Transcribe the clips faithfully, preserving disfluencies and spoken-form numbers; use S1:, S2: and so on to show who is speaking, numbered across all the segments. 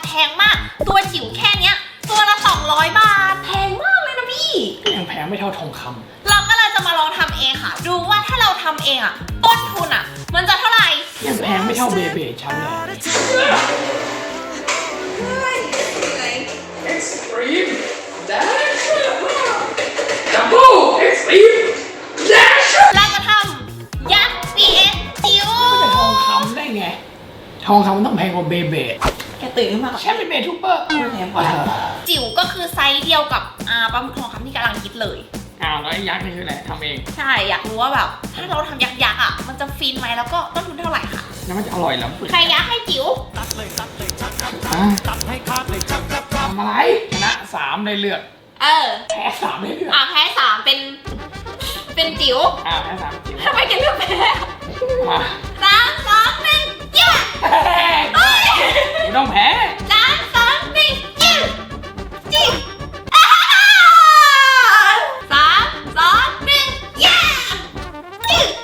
S1: แพงมากตัวจิ๋วแค่เนี้ยตัวละสองร้อยบาทแพงมากเลยนะพี่
S2: ยังแพงไม่เท่าทองคำ
S1: เราก็เลยจะมาลองทำเองค่ะดูว่าถ้าเราทำเองอ่ะต้นทุนอ่ะมันจะเท่าไหร่
S2: ยังแพงไม่เท่าเบเบ้ชั้นเลยExtreme Dash Double Extreme Dash
S1: เราจะทำยักษ์ ซี เอส จิ๋ว
S2: ไม่เป็นทองคำได้ไงทองคำมันต้องแพงกว่าเบเบ้
S1: แกตื่นขึ้นมา
S2: แค่เป็นเบทูเปอร์
S1: แพงกว่าจิ๋วก็คือไซส์เดียวกับอ่าปลาหมึกทองคำที่กำลังคิดเลย
S2: อ้าวแล้วยักษ์นี่คืออะไรทำเอง
S1: ใช่อยากรู้ว่าแบบถ้าเราทำยักษ์ยักษ์อ่ะมันจะฟินไหมแล้วก็ต้นทุนเท่าไหร่ค่ะ
S2: แล้วมันจะอร่อยแล้ว
S1: ใครยักษ์ให้จิ๋ว
S2: ทำอะไรชนะสามได้เลือก
S1: เออ
S2: แพ้สามได้เลือก
S1: อ่าแพ้สามเป็นเป็นจิ๋ว
S2: อ่าแพ้สามจิ๋ว
S1: ทำไมแกเลือกแพ้
S2: มา
S1: สามสองหนึ่งยืด
S2: ไม่ต้องแพ้
S1: สามสองหนึ่งยืดยืดสามสองหนึ่งยืดยืด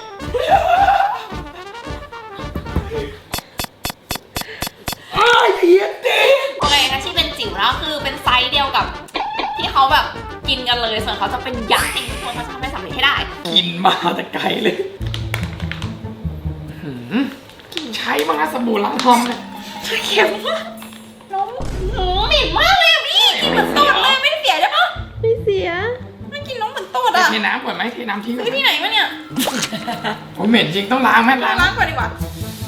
S2: อ้าวเหี้ยดิ
S1: โอเคนะที่เป็นจิ๋วแล้วคือเป็นไซส์เดียวกับที่เขาแบบกินกันเลยส่วนเขาจะเป็นยักษ์เองทุกคนเขาจะทำให้สำเร็จให้ได้
S2: กินมาแต่ไกลเลยใช้บ้างนะสบู่ล้างทอมเนี่ย
S1: เค็มมากน้องหนูเหม็นมากเลยอ่ะพี่กินเหมือนตดเลยไม่ได้เสียใช่ปะ
S3: ไม่เสีย
S1: ไม่กินน้องเหมือนตดอ่ะ
S2: เทน้ำก่อนไหมเทน้ำทิ้ง
S1: ซื้อที่ไหนมาเนี่ย
S2: โอ้เหม็นจริงต้องล้างไหมล้าง
S1: ล้างก่อนดีกว่า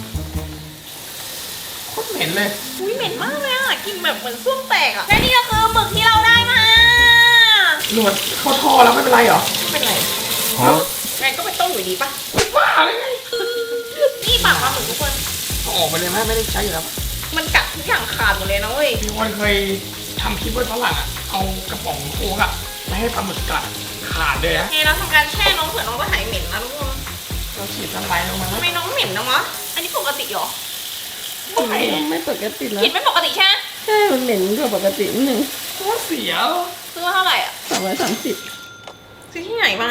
S2: โคตรเหม็นเลย
S1: อุ้ยเหม็นมากเลยอ่ะกินแบบเหมือนส้วมแตกอ่ะและนี่ก็คือหมึกที่เราได้มา
S2: หนวดเข้าท่อแล้วไม่เป็นไรหรอ
S1: ไม่เป็นไรแม่ก็ไปต้มอยู่ดีปะ
S2: บ้าอะไรไง
S1: นี่ปากมาเหมือนทุกคน
S2: เอาออกไปเลยไหมไม่ได้ใช้อยู่แล้ว
S1: มันกัดทุกอย่างขาดหมดเลยนะเว้ย
S2: มีคนเคยทำคลิปไว้ฝรั่งอ่ะเอากระป๋องโค้กอ่ะไม่ให้ปลาหมึกกัดขาดเลยฮะ
S1: เฮ้ยเราทำการแช่น้องเผื่อน้องก็หายเหม็นนะทุกคน
S2: เราฉีดสไลด์ลงมา
S1: ทำไมน้องเหม็นนะมะอันนี้ปกติเหรอ
S3: ไม่ไม่ปกติแล้ว
S1: กินไม่ปกติใช่ไหม
S3: ใช่มันเหม็นกว่าปกตินิดนึง
S2: ว่าเสีย
S1: ซื้อเท่าไหร่อ่ะ
S3: สองร้อยสามสิบ
S1: ซื้อที่ไหนมา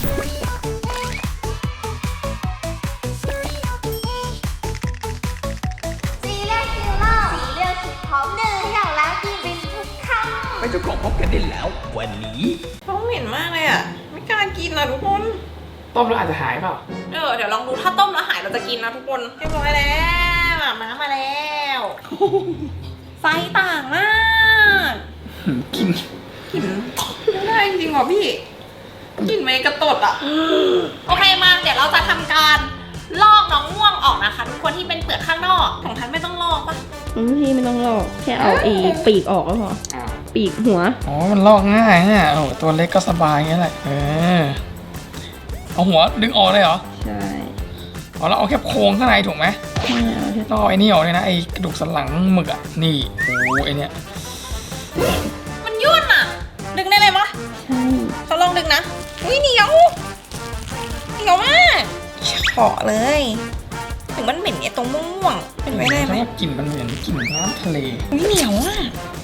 S2: ไม่จะกบพบกันได้แล้ววันนี้
S1: เขาเหม็นมากเลยอ่ะไม่กล้ากินนะทุกคน
S2: ต้มแล้วอาจจะหายเปล่า
S1: เออเดี๋ยวลองดูถ้าต้มแล้วหายเราจะกินนะทุกคนเรียบร้อยแล้วน้ำมาแล้วไซส์ต่างมาก
S2: กิน
S1: กินไม่ได้จริงๆหรอพี่กินไม่กระตดอ่ะโอเคมาเดี๋ยวเราจะทำการลอกน้องม่วงออกนะคะทุกคนที่เป็นเปลือกข้างนอกของทันไม่ต้องลอกปะ
S3: พี่ไม่ต้องลอกแค่เอาอีปีกออกก็พอปีกหัว
S2: อ๋อมันลอกง่ายเนี่ยโอ้ตัวเล็กก็สบายงี้แหละเออเอาหัวดึงออกเลยเหรอ
S3: ใช่
S2: อ๋อเราเอาแค่โครงข้างในถูกไหม
S3: ไม่เอาแค่
S2: ลอกไอ้นี่ออกเลยนะไอ้กระดูกสันหลังหมึกอ่ะนี่โอ้ไอ้เนี่ย
S1: มันยุ่นอ่ะดึงได้เลยมั้ย
S3: ใช่
S1: เขาลองดึงนะอุ้ยเหนียวเหนียวมากเฉาะเลยถึงมันเหม็นเนี่ยตรงม่วงๆเป็นไปได้ไหม
S2: กลิ่นมันเหมือนกลิ่นน้ำทะเล
S1: อุ้ยเหนียวอ่ะ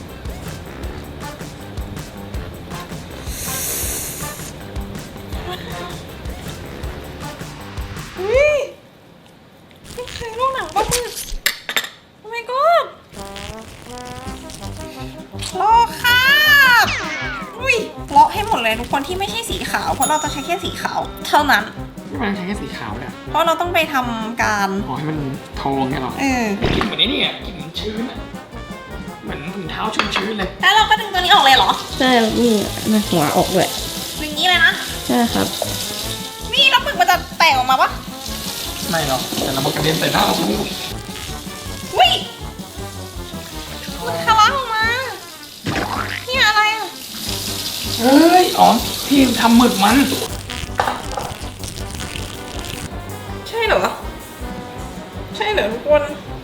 S1: อุ้ยไม่เคยลอกหนังปลาหมึกโอ้ my god ลอกค่ะอุ้ยเลาะให้หมดเลยทุกคนที่ไม่ใช่สีขาวเพราะเราจะใช้แค่สีขาวเท่านั้น
S2: ที่มันใช้แค่สีขาวเนี่ย
S1: เพราะเราต้องไปทำการ
S2: อ๋อให้มันทองไงหรอ
S1: เออ
S2: กินเหมือนนี่ไงกินเหมือนชื้นอ่ะเหมือนถุงเท้าชื้นๆเลย
S1: แล้วเราก็ดึงตัวนี้ออกเลยเหรอ
S3: ใช่นี่นะหัวออกเลย
S1: ดึงนี้เลยนะ
S3: ใช่ครับ
S1: นี่แล้วหมึกมันจะแตกออกมาปะ
S2: ไม่หรอกแต่เรากระเด็นใส่หน้าเรา
S1: อุ้ยมันทะลักออกมานี่อะไรอ่ะ
S2: เฮ้ยอ๋อพี่ทำหมึกมัน
S1: ใช่เหรอใช่เหรอทุกคน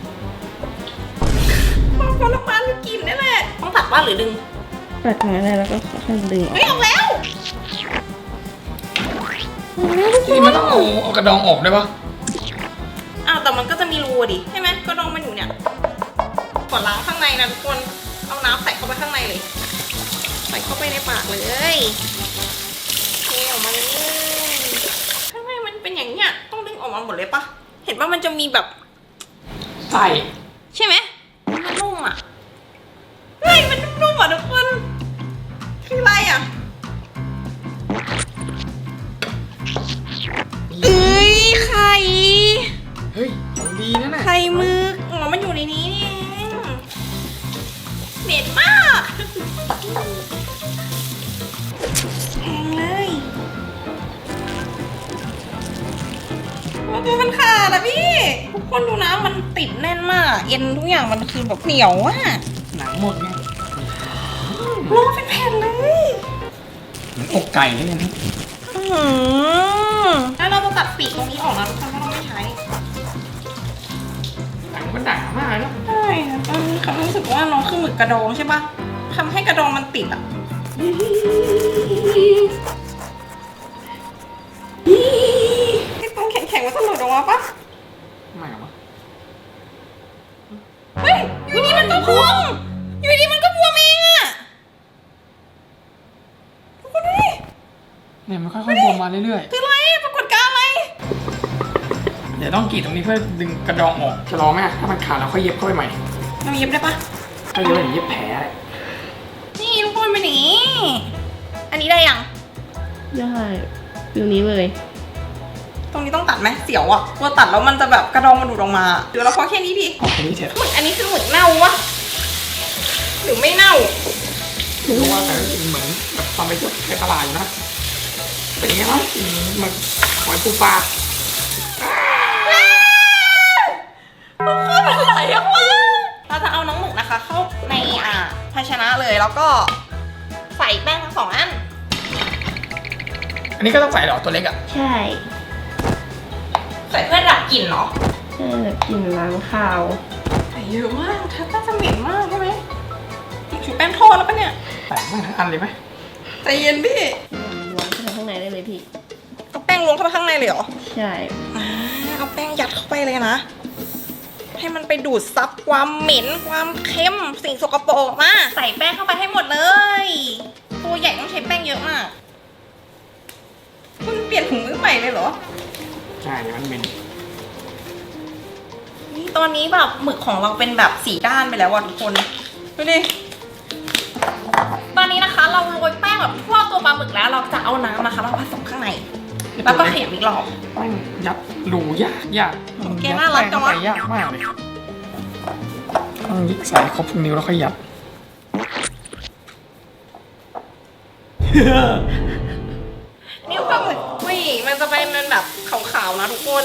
S1: พอพอละมันกินได้แหละต้องตัดว่าหรือดึง
S3: ตัดมาได้แล้วก็ค่อยดึง
S1: เฮ้ยออกแล้ว
S2: ที่มันต้องเอาเอากระดองออกได้ปะ
S1: อ้าวแต่มันก็จะมีรูดิใช่ไหมกระดองมันอยู่เนี่ยกดล้างข้างในนะทุกคนเอาน้ำใส่เข้าไปข้างในเลยใส่เข้าไปในปากเลยเทออกมาเลยข้างในมันเป็นอย่างเนี้ยต้องดึงออกมาหมดเลยปะเห็นว่ามันจะมีแบบ
S2: ใส่
S1: ใช่ไหมมันนุ่มอ่ะอ่ะทุกคนคืออะไรอ่ะเอ้ยไข่
S2: เฮ้ยของดีนะน่ะ
S1: ไข่หมึกอ๋อมันอยู่ในนี้นี่เองเหม็นมากแพงเลยว่าตัวมันขาดอะพี่ทุกคนดูนะมันติดแน่นมากเอ็นทุกอย่างมันคือแบบเหนียวอะ
S2: หนังหมดไง
S1: โลเป็นแผ่นเลย
S2: เหมือนอกไก่เลยนะ
S1: อื้อหือแล้วเราจะตัดปีกตรงนี้ออกนะทุกคนเพราะเราไม่ใช้
S2: หนังมันหนามากเนาะ
S1: ใช่ตอนนี้เขารู้สึกว่าน้องคือหมึกกระดองใช่ปะทำให้กระดองมันติดอ่ะไอ้ตรงแข็งๆมันจะหลุดออกมาปะ
S2: ไม่หรอวะ
S1: เฮ้ยอยู่ดีมันก็พวงอยู่ดีมันก็พวงเองอะทุกคนดูดิ
S2: เนี่ยมันค่อยๆบวมมาเรื่อย
S1: คืออะไรปรากฏการณ์อะไร
S2: ๆเดี๋ยวต้องกรีดตรงนี้เพื่อดึงกระดองออกจะรอไหมถ้ามันขาดเราค่อยเย็บเข้าไปใหม่
S1: เราเย็บได้ปะ
S2: ถ้าเย็บอย่างนี้เย็บแผลเลย
S1: นี่ทุกคนเป็นอย่างนี้ อันนี้ได้ยัง
S3: ได้ฟิวนี้เลย
S1: ตรงนี้ต้องตัดไหมเสียวอ่ะกลัวตัดแล้วมันจะแบบกระดองมันหลุดออกมาเดี๋ยวเราพอแค่นี้ดี
S2: ออกตรงนี้เถอะ
S1: หมึกอันนี้คือหมึกเน่าวะหรือไม่เน่า
S2: รู้ว่าแต่ก็กินเหมือนแบบตอนไปเที่ยวในตลาดอยู่นะเป็นยังไงวะกินเหมือนหอยปูปลา
S1: ทุกคนมันไหลออกมาเราจะเอาน้องหมึกนะคะ เข้าในอ่าภาชนะเลยแล้วก็ใส่แป้งทั้งสองอัน
S2: อันนี้ก็ต้องใส่เหรอตัวเล็กอ่ะ
S3: ใช่
S1: ใส่เพื่อดับกลิ่นเนาะ
S3: ใช่แบบกลิ่นล้างคาว
S1: ใส่เยอะมากถ้าน่าจะเหม็นมากใช่ไหมติดชูแป้งทอดแล้วปะเนี่ย
S2: ใส่ไม่ทั้งอันเลยไหม
S1: ใจเย็นพี่
S3: ล้วงเข้าไปข้างในได้เลยพี่
S1: เอาแป้งลงเข้าไปข้างในเลยเหรอ
S3: ใช่
S1: อ่าเอาแป้งยัดเข้าไปเลยนะ ให้มันไปดูดซับความเหม็นความเค็มสิ่งสกปรกออกมาใส่แป้งเข้าไปให้หมดเลย ตัวใหญ่ต้องใช้แป้งเยอะมากคุณเปลี่ยนถุงมือใหม่เลยเหรอ
S2: ใช่เดี๋ยวมันเป็น
S1: นี่ตอนนี้แบบหมึกของเราเป็นแบบสีด้านไปแล้วว่ะทุกคนดูดิตอนนี้นะคะเราโรยแป้งแบบทั่วตัวปลาหมึกแล้วเราจะเอาน้ำนะคะมาผสมข้างในแล้วก็เขยำอีกรอบ
S2: แป้งยัดรูยากยาก
S1: แกน่ารักจังวะ
S2: ยัดแป้งเข้าไปยากมากเลยต้องยิกใส่ครบทุกนิ้วแล้วค่อยยัด
S1: นิ้วปลาหมึกอุ้ยมันจะเป็นมันแบบขาวๆนะทุกคน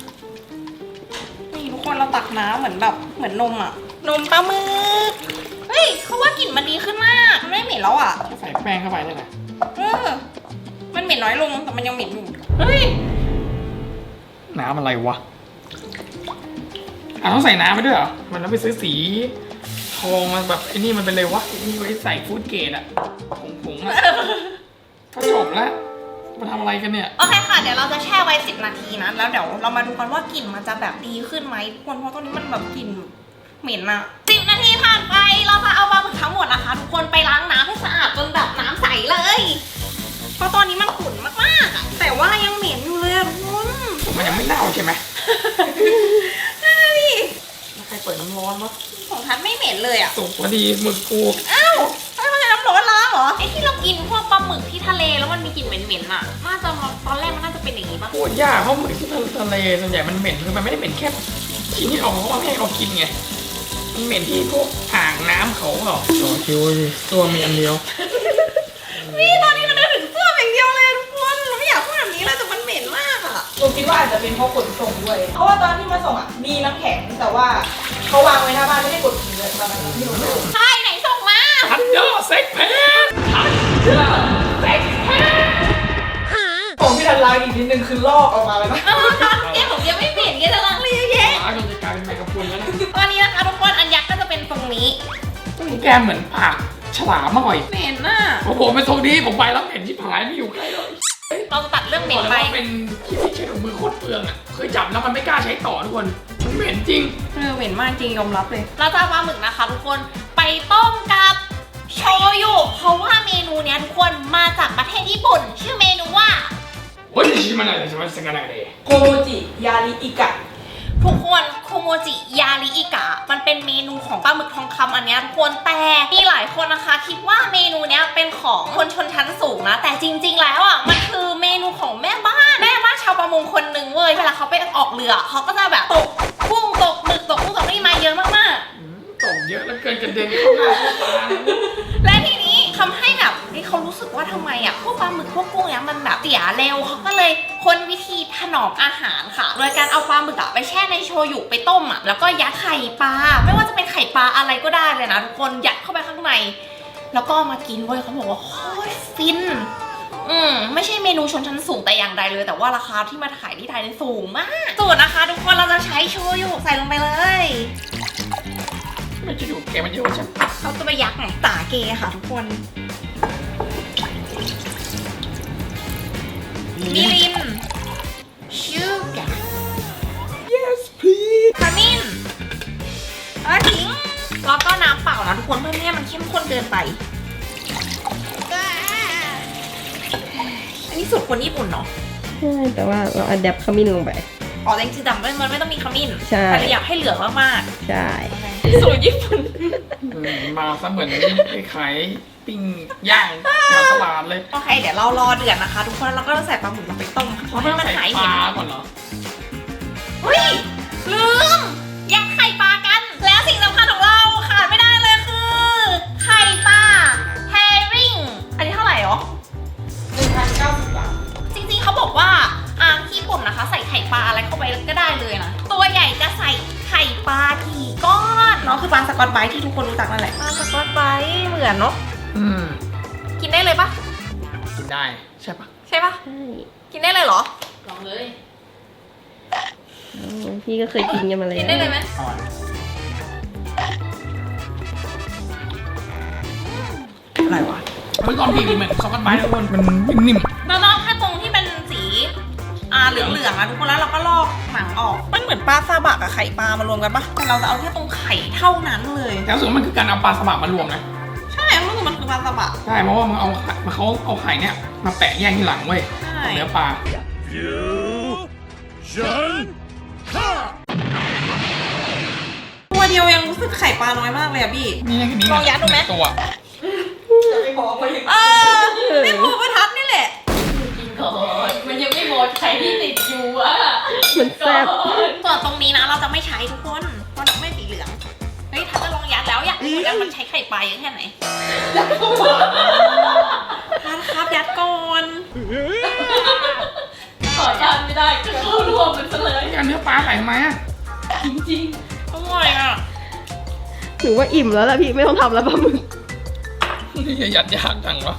S1: นี่ทุกคนเราตักน้ำเหมือนแบบเหมือนนมอะนมปลาหมึกเฮ้ยเขาว่ากลิ่นมันดีขึ้นมากมันไม่เหม็นแล้วอะ
S2: แค่ใส่แป้งเข้าไปนี่แหละ
S1: เออมันเหม็นน้อยลงแต่มันยังเหม็นอยู่เฮ้ย
S2: น้ำอะไรวะอ่ะต้องใส่น้ำไปด้วยเหรอมันแล้วไปซื้อสีทองมันแบบไอ้นี่มันเป็นเลยวะไอ้นี่ไว้ใส่ฟู้ดเกรดอะผงผงๆอะก็จบแล้วมาทำอะไรกันเนี่ย
S1: โอเคค่ะเดี๋ยวเราจะแช่ไว้สิบนาทีนะแล้วเดี๋ยวเรามาดูกันว่ากลิ่นมันจะแบบดีขึ้นไหมทุกคนเพราะตอนนี้มันแบบกลิ่นเหม็นอะสิบนาทีผ่านไปเราจะเอาปลาหมึกทั้งหมดนะคะ ทุกคนไปล้างน้ำให้สะอาดจนแบบน้ำใสเลยเพราะตอนนี้มันขุ่นมากๆอะแต่ว่ายังเหม็นอยู่เลยอะทุกคน
S2: มันยังไม่เน่าใช่ไหม
S1: นั่นน่ะดิ
S2: แล้วใครเปิดน้ำร้อนวะ
S1: ของทัดไม่เหม็นเลยอะ
S2: สุกพอดีหมึกกู
S1: อ้าวไม่ใช่น้ำร้อนล้างเหรอไอ้ที่เรากินพวกปลาหมึกที่ทะเลแล้วมันมีกลิ่นเหม็นๆอะน่าจะตอนแรกมันน่าจะเป็นอย่างนี้ปะ
S2: พูดยากเพราะหมึกที่ทะเลส่วนใหญ่มันเหม็นคือมันไม่ได้เหม็นแค่ชิ้นที่เขาเขาเอาให้เขากินไงมันเหม็นที่พวกอ่างน้ำเขาเหรอต่อคิวดิตัวมีอันเดียว
S1: นี่ตอนนี้เราได้ถึงเสื้ออย่างเดียวเลยทุกคนเราไม่อยากพูดแบบนี้เลยแต่มันเหม็นมากอะผมคิดว่าอาจจะเป็นเพราะขนส่งด้วยเพราะว่าตอนที่มาส่งอะมีน้ำแข็งแต่ว่าเขาวางไว้หน้าบ้านไม่ได้กดทิ้งเลยตอนนั้นที่เราส่งใช่ไหนส่งมา
S2: ทันเดอร์เซ็กเพนทันเดอร์เซ็กเพน
S4: ของพี่ทันล้างอีกนิดนึงคือลอกออกมาเลยนะ
S1: เออแกผมยังไม่เปลี่ยนแกจะล้างเลยเยอะแยะ
S2: หมาจนจะกลายเป็นแมงกะพรุนแล้วนะ
S1: ตอนนี้นะคะทุกคนอันยักษ์ก็จะเป็นตรงนี้
S2: แกเหมือนปากฉลามหน่อย
S1: เหม็นน่ะ
S2: โอ้โหเป็นทรงนี้ผมไปแล้วเห็นที่ผายไม่อยู่ใกล้เลย
S1: เราจะตัดเรื่องเหม็
S2: บอน กเลย
S1: ไป
S2: ว่าเป็นที่ที่ใช้ถุงมือโคตรเปลืองอ่ะเคยจับแล้วมันไม่กล้าใช้ต่อทุกคนมันเหม็นจริง
S1: เออเหม็นมากจริงยอมรับเลย เราจะเอาปลาหมึกนะคะทุกคนไปต้มกับโชยุเพราะว่าเมนูเนี้ยทุกคนมาจากประเทศญี่ปุ่น ชื่อเมนูว่า
S2: โอ้ยชิมันอะไรชิมันสังกัดอะไร
S4: โคโมจิยาริอิกะ
S1: ทุกคนโคโมจิยาริอิกะมันเป็นเมนูของปลาหมึกทองคำอันเนี้ยทุกคนแต่มีหลายคนนะคะคิดว่าเมนูเนี้ยเป็นของคนชนชั้นสูงนะแต่จริงๆแล้วอ่ะมันคือเมนูของแม่บ้านแม่บ้านชาวประมงคนหนึ่งเว้ยเวลาเขาไปออกเรือเขาก็จะแบบตกกุ้งตกหมึกตกกุ้งตกนี่มาเยอะมากๆ
S2: ตกเยอะแล้วเกินกระเด็นเข้าหน้าเข้าตา
S1: และทีนี้ทำให้แบบนี่เขารู้สึกว่าทำไมอ่ะพวกปลาหมึกพวกกุ้งเนี้ยมันแบบเสียเร็วเขาก็เลยค้นวิธีถนอมอาหารค่ะโดยการเอาปลาหมึกอ่ะไปแช่ในโชยุไปต้มอ่ะแล้วก็ยัดไข่ปลาไม่ว่าจะเป็นไข่ปลาอะไรก็ได้เลยนะทุกคนยัดเข้าไปข้างในแล้วก็เอามากินเว้ยเขาบอกว่าโคตรฟินอืมไม่ใช่เมนูชนชั้นสูงแต่อย่างใดเลยแต่ว่าราคาที่มาขายที่ไทยนี่สูงมากสูตรนะคะทุกคนเราจะใช้โชยุใส่ลงไปเลย
S2: ไม่จะดูแกมันเยอะใช่ไหม
S1: เขาจะไปยักไงตาเกค่ะทุกคนมิลินชูการ์
S2: yes please
S1: ขมิ้นเออทิ้งแล้วก็น้ำเปล่านะทุกคนเพื่อไม่ให้มันเข้มข้นเกินไปอันนี้สูตรคนญี่ปุ่นเนาะ
S3: ใช่แต่ว่าเราอัดแอปขมิ้นลงไป
S1: อ๋อแต่จริงๆแต่มันไม่ต้องมีขมิ้น
S3: ใช่
S1: แต่เราอยากให้เหลืองมาก
S3: ใช่
S1: ๆสูตรญี่ปุ่น
S2: อืมมาซะเหมือนขายปิ้งย่างแถวตลาดเลย
S1: โอเคเดี๋ยวเรารอเดือดนะคะ ทุกคนแล้วเราก็จะใส่ปลาหมึกลงไปต้มค่ะเพราะให้มันหาย
S2: ป
S1: เห็
S2: ลาน ก่อนเหรอ
S1: เฮ้ยลืมยัดไข่ปลากัน แล้วสิ่งสำคัญของเราขาดไม่ได้เลยคือ ไข่ปลาแฮริงอันนี้เท่าไหร่หรอ
S4: หนึ่งพันเก้าสิบบาท
S1: จริงๆเขาบอกว่าอ่างที่ญี่ปุ่นนะคะ ใส่ไข่ปลาอะไรเข้าไปก็ได้เลยนะ ตัวใหญ่จะใส่ไข่ปลากี่ก้อนเนาะคือปลาสกอตไบรท์ที่ทุกคนรู้จักนั่นแหละปลาสกอตไบรท์เหมือนเนาะ
S2: อืม
S1: กินได้เลยปะ
S2: กินได้ใช่ปะ
S1: ใช่ปะ
S3: ใช่
S1: กินได้เลยเหรอ
S4: ลองเลย
S3: อืมพี่ก็เคยกินกันมาแล้ว
S1: กินได้เลยไหม
S2: อร่อย
S1: อะไรวะ
S2: เมื่อก่อนพี่กินเหมือนซอสกันไม้ทุกคนมันนิ่ม
S1: เราลอกแค่ตรงที่เป็นสีอ่าเหลืองๆอะทุกคนแล้วเราก็ลอกหนังออกมันเหมือนปลาซาบะกับไข่ปลามารวมกันปะแต่เราจะเอาแค่ตรงไข่เท่านั้นเลย
S2: ๆแต่รู้สึกว่ามันคือการเอาปลาสบักมารวมนะ
S1: ใช่มันคือมันคือปลาซาบะ
S2: ใช่เพราะว่ามันเอาไข่มันเขาเอาไข่เนี่ยมาแปะแยกที่หลังเว้ย
S1: ใช่
S2: เนื้อปลา
S1: ตัวเดียวยังรู้สึกไข่ปลาน้อยมากเลยอะพี่
S2: นี่แค่นี้
S1: ลองยัดดูไหม
S2: ตัว
S4: จะไปบอกมาอย่าง
S1: เออนี่หมูประทัดนี่แหละ
S4: ก่อนมันยังไม่หมดไข่ที่ติดอยู่อ่ะ
S3: มันแซ่บ
S1: ส่วนตรงนี้นะเราจะไม่ใช้ทุกคนเพราะเราไม่สีเหลืองเฮ้ยทัดจะลองยัดแล้วอยากรู้ว่ามันใช้ไข่ปลาเยอะแค่ไหนทัดครับยัดก่อน
S4: ขอยันไม่ได้จะเข้ารวมมันซะเลย
S2: การเนื้อปลาใส่ทำไมอ่ะ
S4: จริง
S1: อร่อยอ่ะ
S3: ถือว่าอิ่มแล้วล่ะพี่ไม่ต้องทำแล้วปลาหมึก
S2: นี่ยัดยากจังวะ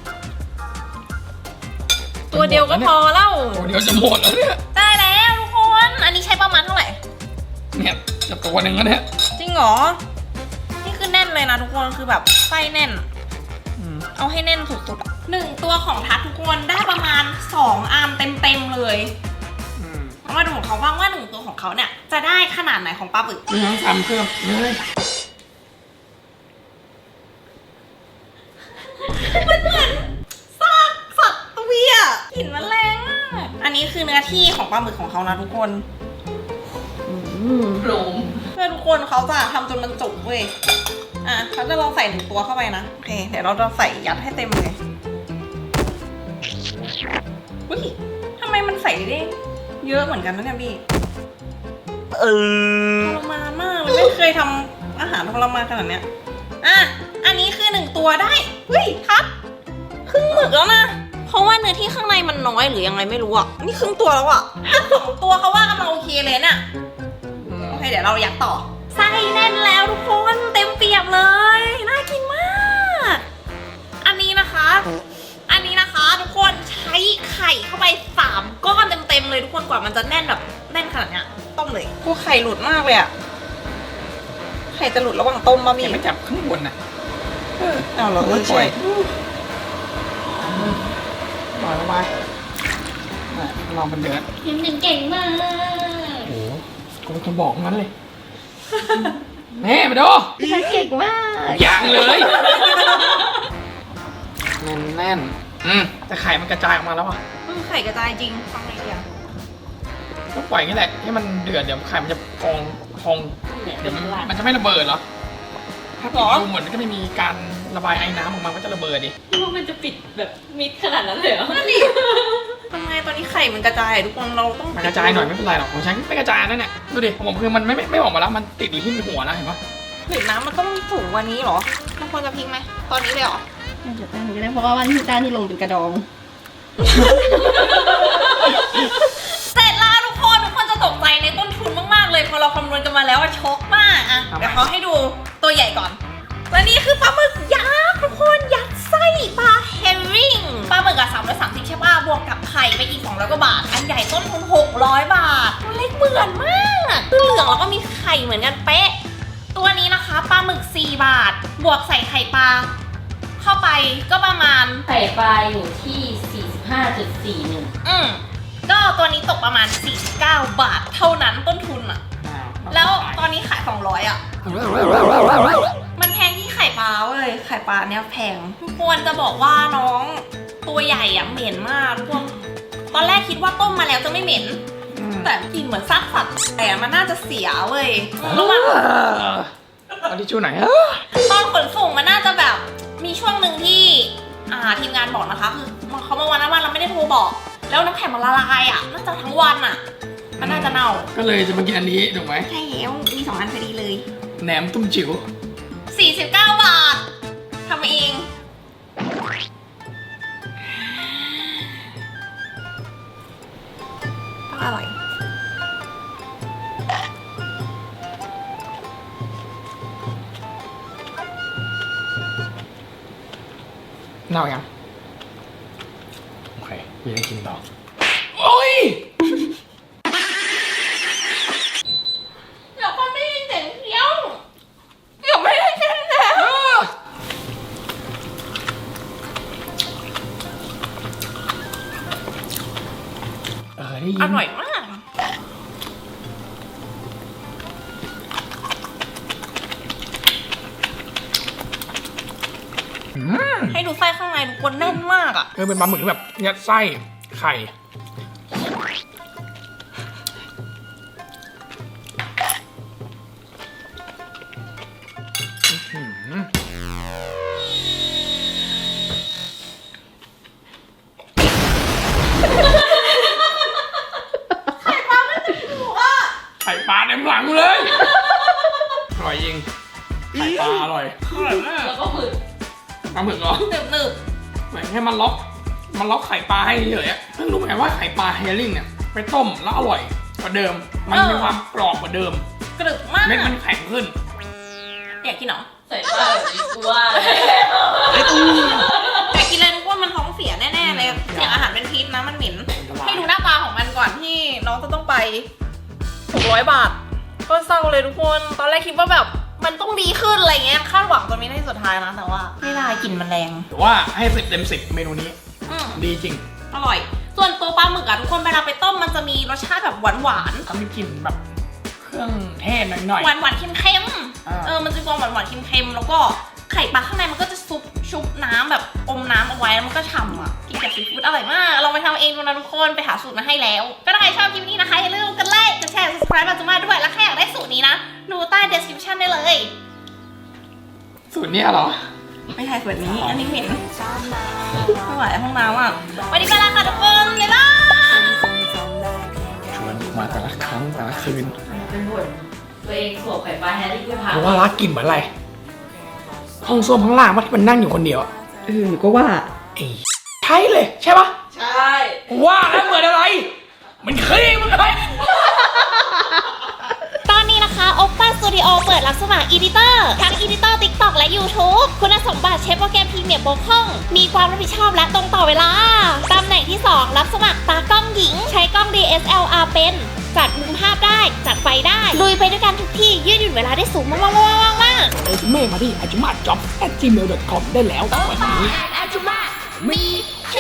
S1: ตัวเดียวก็พอแล้ว
S2: ตัวเดียวจะหมดแล้วเนี่ย
S1: ได้แล้วทุกคน อันนี้ใช้ประมาณเท่าไหร่
S2: เนี่ยจะตัวหนึ่งแล้วเนี่ย
S1: จริงเหรอ นี่คือแน่นเลยนะทุกคนคือแบบไส้แน่น
S2: อืม
S1: เอาให้แน่นสุดๆอะหนึ่งตัวของทัดทุกคนได้ประมาณสองอันเต็มๆเลย
S2: อืม
S1: เอามาดูของเขาบ้างว่าหนึ่งตัวของเขาเนี่ยจะได้ขนาดไหนของปลาบึก
S2: ไม่ต้องทำเพิ่มเลย
S1: มันเหมือนซากสัตว์ตัวอ่ะกลิ่นมันแรงมากอันนี้คือเนื้อที่ของปลาหมึกของเขานะทุกคน
S3: อืม
S4: ๆโปร่ง
S1: เพื่อทุกคนเขาจะทำจนมันจุกเว้ย อ่ะเขาจะลองใส่หนึ่งตัวเข้าไปนะ โอเค เดี๋ยวเราจะใส่ยัดให้เต็มเลยอุ้ยทำไมมันใส่ได้เยอะเหมือนกันนะเนี่ยพี่เออทรมานมากเลยไม่เคยทำอาหารทรมานขนาดเนี้ย อ่ะ อันนี้คือหนึ่งตัวได้เฮ้ยทับครึ่งหมึกแล้วนะ เพราะว่าเนื้อที่ข้างในมันน้อยหรือยังไงไม่รู้อ่ะ นี่ครึ่งตัวแล้วอ่ะสองตัวเขาว่ากำลังโอเคเลยเนี่ย
S2: อืม
S1: โอเคเดี๋ยวเรายัดต่อไส้แน่นแล้วทุกคนเต็มเปียบเลย น่ากินมาก อันนี้นะคะ อันนี้นะคะทุกคนใช้ไข่เข้าไปสามก้อนเต็มๆเลยทุกคนกว่ามันจะแน่นแบบแน่นขนาดเนี้ยต้มเลยพวกไข่หลุดมากเลยอะไข่จะหลุดระหว่างต้มมา
S2: แก
S1: พี่
S2: ไม่จับข้างบนนะ
S1: เออเอาเหรอเออ
S2: ปล่
S1: ใช่
S2: อย
S1: ปล่อยลงไป
S2: น่ะลองมันเดือด
S4: ยังหนึ่งเก่งมาก
S2: โอ้โหกูเป็นคนบอกงั้นเลย แม่มาดู
S3: พี่ทัดเก่งมาก
S2: ยังเลยแน่นแน่นๆอืมแต่ไข่มันกระจายออกมาแล้วอ่ะ
S1: อืมไข่กระจายจริงฟังไอเดีย
S2: เต้องปล่อยอย่างนี้แหละให้มันเดือดเดี๋ยวไข่มันจะพองพองเดี๋ยวมันมันจะไม่ระเบิดเหรอถ้าปิดรูเหมือนมันก็ไม่มีการระบายไอ้น้ำออกมาก็จะระเบิดดิ
S3: พี่ว่ามันจะปิดแบบมิดขนาดนั้นเลยเหรอ
S1: นั่นดิทำไงตอนนี้ไข่มันกระจายทุกคนเราต้อง
S2: มันกระจายหน่อยไม่เป็นไรหรอกของฉันไม่กระจายนั่นแหละดูดิของผมคือมันไม่ไม่ไม่ออกมาแล้วมันติดอยู่ที่หัวแล้วเห็นปะ
S1: หรือน้ำมันต้องสูงกว่านี้เหรอมันควรจะพลิกไหมตอนนี้เลยเหรอ
S3: น่าจะตั้งก็ได้เพราะว่าวันที่ด้านที่ลงเป็นกระดอง
S1: เสร็จแล้วทุกคนทุกคนจะตกใจในต้นทุนมากๆเลยพอเราคำนวณกันมาแล้วว่าช็อกมากอ่ะเดี๋ยวเขาให้ดูตัวใหญ่ก่อนและนี่คือปลาหมึกยักษ์ทุกคนยัดไส้ปลาเฮมริงปลาหมึกอะสามร้อยสามสิบใช่ป่ะบวกกับไข่ไปอีกสองร้อยกว่าบาทอันใหญ่ต้นทุนหกร้อยบาทตัวเล็กเหมือนมากคือเหลืองแล้วก็มีไข่เหมือนกันเป๊ะตัวนี้นะคะปลาหมึกสี่บาทบวกใส่ไข่ปลาเข้าไปก็ประมาณ
S3: ไข่ปลาอยู่ที่ สี่สิบห้าจุดสี่หนึ่ง
S1: อืมก็ตัวนี้ตกประมาณสี่สิบเก้าบาทเท่านั้นต้นทุนอะแล้วตอนนี้ขายสองร้อยอะมันแพงที่ไข่ปลาเว้ยไข่ปลาเนี้ยแพงควรจะบอกว่าน้องตัวใหญ่อะเหม็นมากพวกตอนแรกคิดว่าต้มมาแล้วจะไม่เหม็นแต่กลิ่นเหมือนซากสัตว์แต่มันน่าจะเสียเว้ยระหว่าง
S2: เอาทิชชู่ไหนอย
S1: ตอนขนส่งมันน่าจะแบบมีช่วงหนึ่งที่อ่าทีมงานบอกนะคะคือเขามาวันนั้นวันเราไม่ได้โทรบอก แล้วน้ำแข็งมันละลายอ่ะน่าจะทั้งวันอ่ะมันน่าจะเน่า
S2: ก็เลยจะมากินอันนี้ถูกไหม
S1: ใช่แล้วมีสองอันพอดีเลย
S2: แหนมตุ้มจิ๋ว
S1: สี่สิบเก้าบาททำเองอร่อย
S2: เน่ายังโอเคยังได้กินต่อโอ้ย
S1: เดี๋ยวคนไม่ได้ยินเสียงเคี้ยวเดี๋ยวไม่ได้กินแล้ว
S2: เออได้ยิน
S1: อร่อยมาก
S2: อืม
S1: ให้ดูไส้ข้างในทุกคนแน่นมากอ่ะ
S2: เออเป็นปลาหมึกที่แบบยัดไส้ไข่อื้อหือไข่ปลาเต็มหลังเลยอร่อยจริงไข่ปลาอร่อยอร่อยมาก
S3: แล้วก็หมึก
S2: ปลาหมึกเหรอ
S1: หนึบหนึบ
S2: เหมือนแค่มันล็อกมันล็อกไข่ปลาให้เฉยๆอะเพิ่งรู้เหมือนกันว่าไข่ปลาเฮลลิ่งเนี่ยไปต้มแล้วอร่อยกว่าเดิม มันมีความกรอบกว่าเดิม
S1: กรึบมาก
S2: เม็ดมันแข็งขึ้น
S1: อยากกินเหรอ
S3: ใส่ปลาแบบนี้กูว่า
S1: อยากกินเลยทุกคนมันท้องเสียแน่ๆเลยเสียงอาหารเป็นพิษนะมันเหม็นให้ดูหน้าตาของมันก่อนที่น้องจะต้องไปหกร้อยบาทก็เศร้าเลยทุกคนตอนแรกคิดว่าแบบมันต้องดีขึ้นอะไรเงี้ยคาดหวังจนไม่ได้สุดท้ายนะแต่ว่าไม่ได้กลิ่นมันแรง
S2: แต่ว่าให้สิบเต็มสิบเมนูนี้
S1: อืม
S2: ดีจริง
S1: อร่อย ส่วนตัวปลาหมึกอะทุกคนเวลาไปต้มมันจะมีรสชาติแบบหวานหวาน
S2: เขามีกลิ่นแบบเครื่องเทศหน่อย
S1: หวานหวานๆเค็มเค็มๆ
S2: อ่า
S1: เออมันจะมีความหวานหวานๆเค็มเค็มๆแล้วก็ไข่ปลาข้างในมันก็จะซุปชุบน้ำแบบอมน้ำเอาไว้แล้วมันก็ฉ่ำอ่ะกินกับซีฟู้ดอร่อยมากลองไปทำเองดูนะทุกคนไปหาสูตรมาให้แล้วก็ถ้าใครชอบคลิปนี้นะคะอย่าลืมกดไลค์กดแชร์ subscribe มาจุมาด้วยแล้วใครอยากได้สูตรนี้นะดูใต้ description ได้เลย
S2: ๆสูตรเนี้ยเหรอ
S1: ไม่ใช่สูตรนี้อันนี้เหม็นไม่ไหวห้องน้ำอ่ะวันนี้ไปแล้วค่ะทุกคนบ๊ายบาย
S2: ชวนมาแต่ละครั้งแต่ละคืน
S3: เป็นบ่นตัวเองสวมไข่ปลาแฮร์รี่ไม่ผ่าน
S2: เพราะว่ารักกลิ่นเหมือนอะไร ห้องส้วมข้างล่างว่าที่มันนั่งอยู่คนเดียวอะ
S3: เออก็ว่า
S2: ไอ้ใช่เลยใช่ปะ
S3: ใช่
S2: ว่าแล้วเหมือนอะไร มันขี้มันเลย
S1: ตอนนี้นะคะ Oppa Studio เปิดรับสมัคร Editor ทั้ง Editor TikTok และ YouTube คุณสมบัติใช้โปรแกรมพรีเมียร์บกพร่อง มีความรับผิดชอบและตรงต่อเวลา ตำแหน่งที่ สอง รับสมัครตากล้องหญิง ใช้กล้อง ดี เอส แอล อาร์ เป็น จัดมุมภาพได้ จัดไฟได้ ลุยไปด้วยกันทุกที่ ยืดหยุ่นเวลาได้สูงมากๆๆๆๆ
S2: เอเมมาที่ อาจุมาจ็อบ แอท จีเมล ดอท คอม ได้แล้ววันนี้
S1: มีเช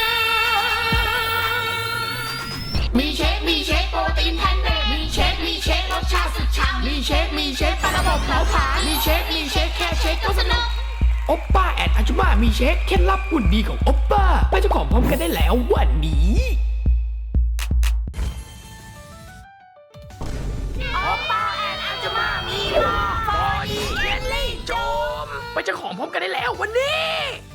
S1: ค
S5: มีเชค มีเชคโปรตีนแพนเนตมีเชค มีเชครสชาติสุดฉ่ำมีเชค มีเชคปลาระบบเผาผลาญมีเชค มีเชคแค่เชคก็สนุก
S2: โอปป้าแอดอาจุมามีเช็คเคล็ดลับหุ่นดีของโอปป้าไปเจ้าของพร้อมกันได้แล้ววันนี้ไปเจ้าของพร้อมกันได้แล้ววันนี้